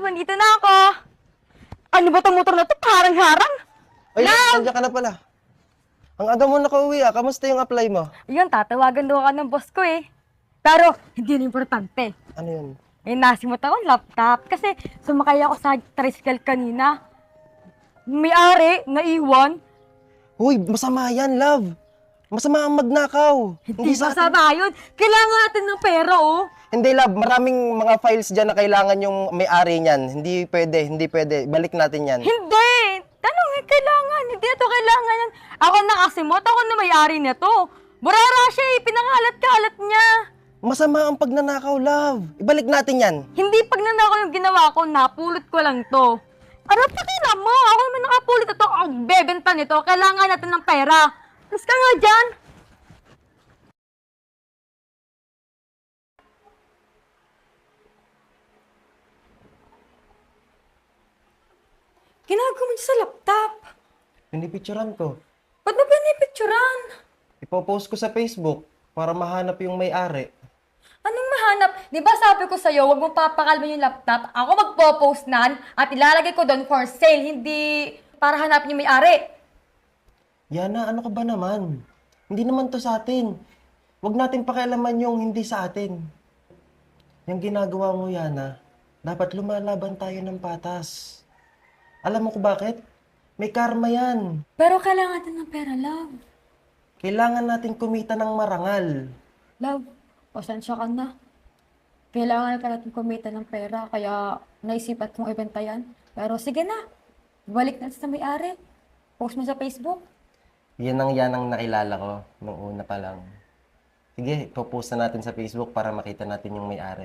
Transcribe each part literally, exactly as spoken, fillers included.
nandito na ako. Ano ba itong motor na to? Parang-harang. Ay, Love! nandiyan ka na pala. Ang aga mo nakauwi ah. Kamusta yung apply mo? Yun, tatawagan daw ako ng boss ko eh. Pero, hindi na importante. Ano yun? Eh, nasimot ako ng laptop. Kasi, sumakay ako sa tricycle kanina. May-ari, naiwan. Uy, masama yan, love. Masama ang magnakaw. Hindi sa atin. masama yun. Kailangan natin ng pera, oh. Hindi, love. Maraming mga files dyan na kailangan yung may-ari niyan. Hindi pwede, hindi pwede. Balik natin yan. Hindi! Tanong eh, kailangan. Hindi ito kailangan yan. Ako nakasimot, ako na may-ari nito. Burara siya eh, pinangalat-kalat niya. Masama ang pagnanakaw, love. Ibalik natin yan. Hindi pag nanakaw yung ginawa ko, napulot ko lang to. Ano pakila mo? Ako naman nakapulot ito. Ako bebenta nito. Kailangan natin ng pera. Mas ka nga dyan. Ginagawa mo dyan sa laptop. Pinipicturan ko. Ba't mo pinipicturan? Ipopost ko sa Facebook para mahanap yung may-ari. Anong mahanap? Di ba sabi ko sa'yo, huwag mo papakalman yung laptop. Ako magpo-post nan at ilalagay ko doon for sale, hindi para hanapin yung may-ari. Yana, ano ka ba naman? Hindi naman to sa atin. Huwag natin pakialaman yung hindi sa atin. Yung ginagawa mo, Yana, dapat lumalaban tayo ng patas. Alam mo ko bakit? May karma yan. Pero kailangan natin ng pera, love. Kailangan natin kumita ng marangal. Love, pasensya ka na. Kailangan na natin kumita ng pera, kaya naisipat kong ibenta yan. Pero sige na, balik natin sa may-ari. Post mo sa Facebook. Yan ang yan ang nakilala ko nung una pa lang. Sige, ipopost na natin sa Facebook para makita natin yung may-ari.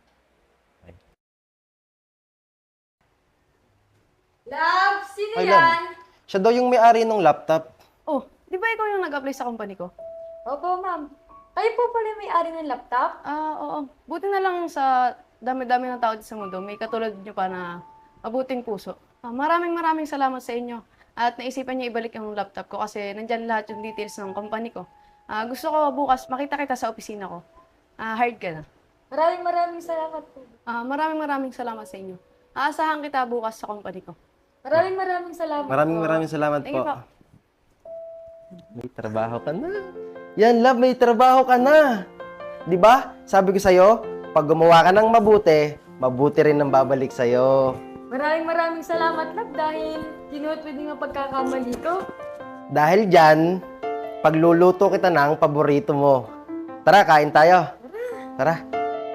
Love, sino Ay, yan? love. Siya daw yung may-ari ng laptop. Oh, di ba ikaw yung nag-apply sa company ko? Opo, ma'am. Kayo po pala yung may-ari ng laptop? Ah, oo. Buti na lang sa dami-dami ng tao dito sa mundo, may katulad nyo pa na mabuting puso. Ah, maraming maraming salamat sa inyo. At naisipan niyo ibalik yung laptop ko kasi nandyan lahat yung details ng company ko. Ah, gusto ko bukas makita kita sa opisina ko. Ah, hired ka na. Maraming maraming salamat po. Ah, maraming maraming salamat sa inyo. Aasahan kita bukas sa company ko. Maraming maraming salamat Maraming po. maraming salamat Thank po. you po. May trabaho ka na. Yan, love, may trabaho ka na. 'Di ba? Sabi ko sa'yo, pag gumawa ka ng mabuti, mabuti rin ang babalik sa'yo. Maraming maraming salamat, love, dahil ginuot mo din ang pagkakamali ko. Dahil dyan, pagluluto kita ng paborito mo. Tara, kain tayo. Tara.